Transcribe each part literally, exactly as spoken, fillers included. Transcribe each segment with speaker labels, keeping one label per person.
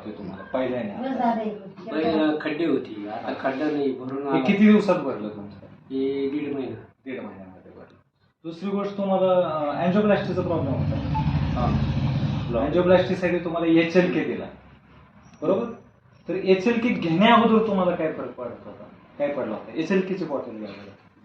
Speaker 1: तुम्हाला पहिल्याने
Speaker 2: बस
Speaker 1: आता?
Speaker 2: झाले.
Speaker 3: पहिलं खड्डे होती, आता खड्डा नाही भरून
Speaker 1: हे
Speaker 3: आला.
Speaker 1: किती दिवसात भरलं तुमचं?
Speaker 3: हे दीड महिना.
Speaker 1: दीड महिन्यामध्ये भरलं. दुसरी गोष्ट तुम्हाला अँजिओप्लास्टीचा प्रॉब्लेम होता.
Speaker 3: हा.
Speaker 1: अँजिओप्लास्टीसाठी तुम्हाला एच एल के दिला, बरोबर? तर एच एल के घेण्या अगोदर तुम्हाला काय फरक पडत होता? काय पडला होता? एच एल केची बॉटल घ्यायला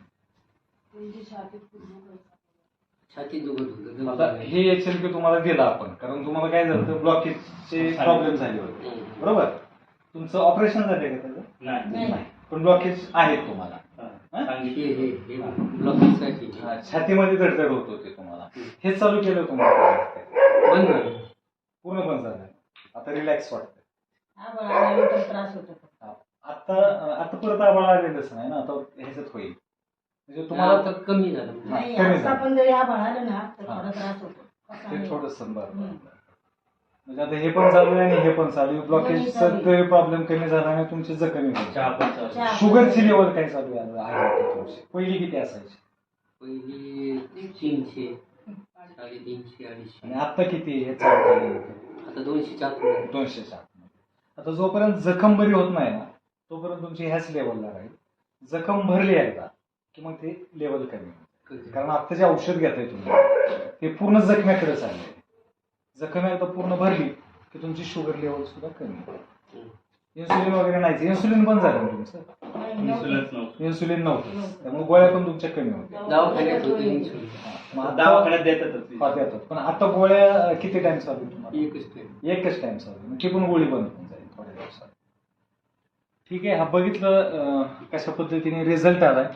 Speaker 3: छाती दुखत होतं.
Speaker 1: आता हे एच एल के तुम्हाला दिला आपण, कारण तुम्हाला काय झालं, ब्लॉकेजचे प्रॉब्लेम झाले होते, बरोबर? तुमचं ऑपरेशन झाले का त्याचं?
Speaker 2: नाही.
Speaker 1: नाही, पण ब्लॉकेज आहेत तुम्हाला.
Speaker 3: हे हे हे ब्लॉकेजसाठी
Speaker 1: हा, छातीमध्ये धडधड होत होते तुम्हाला. हे चालू केलं तुम्हाला,
Speaker 3: बंद झालं.
Speaker 1: पूर्ण बंद झालं. आता रिलॅक्स वाटतं.
Speaker 2: आभाळ आल्यानंतर त्रास होतो.
Speaker 1: आता आता परत आभाळ आलेलंच नाही ना, आता ह्याच्यात होईल. म्हणजे तुम्हाला
Speaker 3: आता कमी झालं.
Speaker 2: नाही,
Speaker 1: कमी
Speaker 2: आता
Speaker 1: झालं.
Speaker 2: पण जरी आभाळ आलं ना तर
Speaker 1: हा.
Speaker 2: थोडा त्रास होतो.
Speaker 1: ते थोडंसं बरं.
Speaker 2: हम्म.
Speaker 1: म्हणजे आता हे पण चालू आहे आणि हे पण चालू आहे. ब्लॉकेजचा
Speaker 2: चालू आहे.
Speaker 1: तरी प्रॉब्लेम कमी झाला आणि तुमची जखमी
Speaker 4: चहा पण चालू.
Speaker 2: चहा.
Speaker 1: शुगरची लेवल काय चालू आहे आहे तुमची? पहिली किती असायची
Speaker 3: पहिली तीनशे, साडेतीनशे, अडीचशे.
Speaker 1: आणि आता किती हे चालू केलं?
Speaker 3: आता दोनशे चार.
Speaker 1: दोनशे सात. आता जोपर्यंत जखम बरी होत नाही ना, तोपर्यंत तुमची ह्याच लेवलला राहील. जखम भरली एकदा की मग ते लेवल कमी होईल. कारण आता जे औषध घेताय तुम्ही ते पूर्ण जखम्याकडे चाललंय. जखम एकदा पूर्ण भरली की तुमची शुगर लेवल सुद्धा कमी होईल. इन्सुलिन वगैरे नाही, इन्सुलिन बंद झालं ना तुमचं?
Speaker 4: इन्शुरन्स नव्हतं.
Speaker 1: इन्सुलिन नव्हतं, त्यामुळे गोळ्या पण तुमच्या कमी होत्या.
Speaker 3: दवाखान्यात होते इन्शुलिन.
Speaker 1: मग आता-
Speaker 4: दवाखान्यात देतातच.
Speaker 1: हा, देतात. पण आता गोळ्या किती टाइम चालू आहे तुम्हाला?
Speaker 3: एकच टाइम.
Speaker 1: एकच टाइम चालू आहे. मग ती पण गोळी बंद होऊन जाईल थोड्या दिवसात. ठीक आहे, हा बघितलं अं, कशा पद्धतीने रिझल्ट आलाय.